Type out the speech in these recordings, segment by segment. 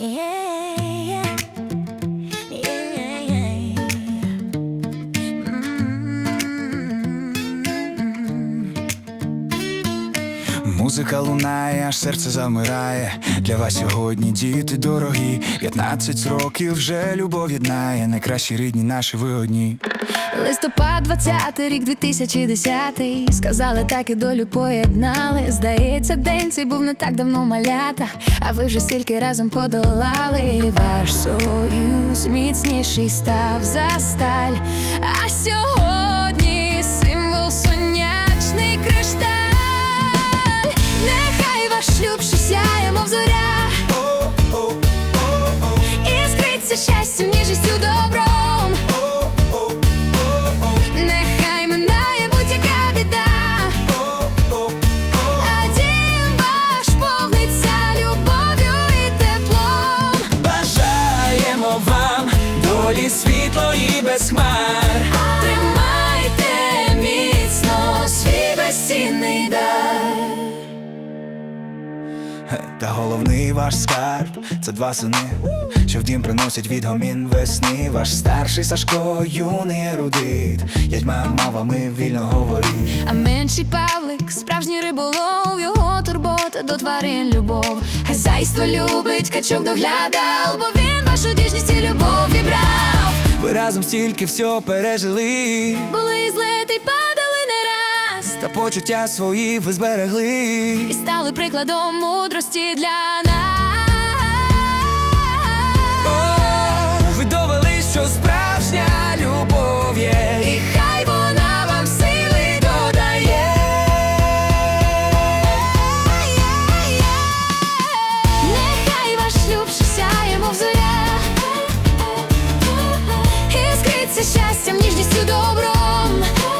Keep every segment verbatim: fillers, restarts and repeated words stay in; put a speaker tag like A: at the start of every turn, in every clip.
A: Музика лунає, аж серце завмирає. Для вас сьогодні, діти дорогі. П'ятнадцять років вже любов єднає. Найкращі рідні наші ви одні.
B: Листопад, двадцятий рік, дві тисячі десятий. Сказали так і долю поєднали. Здається, день цей був не так давно, малята. А ви вже стільки разом подолали. Ваш союз міцніший став за сталь. А сьогодні символ сонячний кришталь. Нехай ваш шлюб ще сяє, мов зоря. Іскриться щастям, ніжністю, добром. Нехай минає будь-яка біда. А дім ваш повниться любов'ю і теплом.
A: Бажаємо вам долі світлої без хмар.
B: Тримайте міцно свій безцінний дар.
A: Та головний ваш скарб – це два сини, що в дім приносять відгомін весни. Ваш старший Сашко, юний ерудит, ядьма мовами вільно говорить.
B: А менший Павлик – справжній риболов, його турбота до тварин любов. Хазяйство любить, качок доглядав, бо він вашу ніжність і любов вібрав.
A: Ви разом стільки всього пережили,
B: Були злети й падали не раз,
A: та почуття свої ви зберегли.
B: і стали прикладом мудрості для нас.
A: О, ви довели, що справжня любов є,
B: І хай вона вам сили додає. Нехай ваш шлюб ще сяє, мов зоря. Іскриться щастям, ніжністю, добром.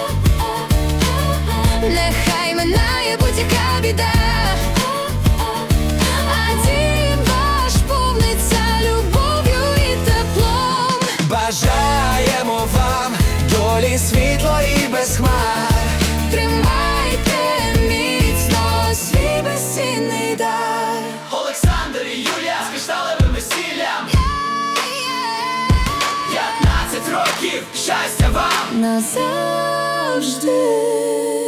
B: Нехай минає будь-яка біда. А дім ваш повниться любов'ю і теплом.
A: бажаємо вам долі світлої без хмар.
B: Тримайте міцно свій безцінний дар.
C: Олександр і Юлія з кришталевим весіллям. П'ятнадцять років щастя вам
B: Назавжди.